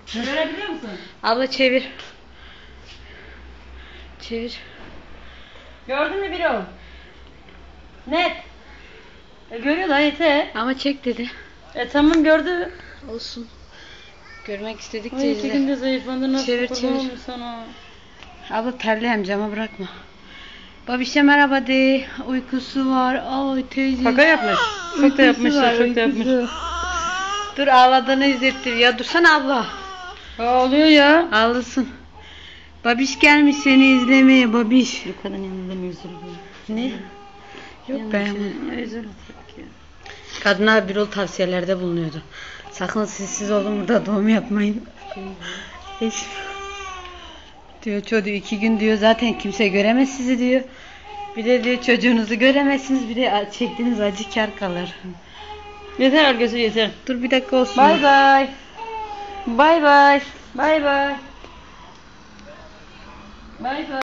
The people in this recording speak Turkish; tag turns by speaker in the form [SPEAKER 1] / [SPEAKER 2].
[SPEAKER 1] Görebiliyor musun?
[SPEAKER 2] Abla çevir. Çevir.
[SPEAKER 1] Gördün mü biri o? Net. Görüyor da yeter.
[SPEAKER 2] Ama çek dedi.
[SPEAKER 1] Tamam gördü.
[SPEAKER 2] Olsun. Görmek istedik
[SPEAKER 1] Ay 2
[SPEAKER 2] de.
[SPEAKER 1] günde zayıflandı, nasıl
[SPEAKER 2] Çevir,
[SPEAKER 1] kurban
[SPEAKER 2] çevir.
[SPEAKER 1] olmuş sana.
[SPEAKER 2] Abla terleyem, cama bırakma. Babişe merhaba de. Uykusu var. Ay teyze.
[SPEAKER 1] Kaka yapmış. Çok da yapmış.
[SPEAKER 2] Uykusu var,
[SPEAKER 1] Çok da yapmış.
[SPEAKER 2] uykusu. Dur, ağladığını izlettir. Ya dursana abla.
[SPEAKER 1] Ağlıyor ya.
[SPEAKER 2] Ağlasın. Babiş gelmiş seni izlemeye, babiş.
[SPEAKER 1] Yukarıdan yanından üzülüyor.
[SPEAKER 2] Ne? Yok be.
[SPEAKER 1] Üzülüyor.
[SPEAKER 2] Kadına bir ol tavsiyelerde bulunuyordu. Sakın sessiz olun, burada doğum yapmayın. Eş. Diyor çocuğu 2 gün diyor zaten kimse göremez sizi diyor. Bir de diyor çocuğunuzu göremezsiniz, bir de çektiğiniz acı kar kalır.
[SPEAKER 1] Yeter Argöz'ü yeter.
[SPEAKER 2] Dur bir dakika olsun.
[SPEAKER 1] Bay bay. Bay bay. Bay bay. Bay bay.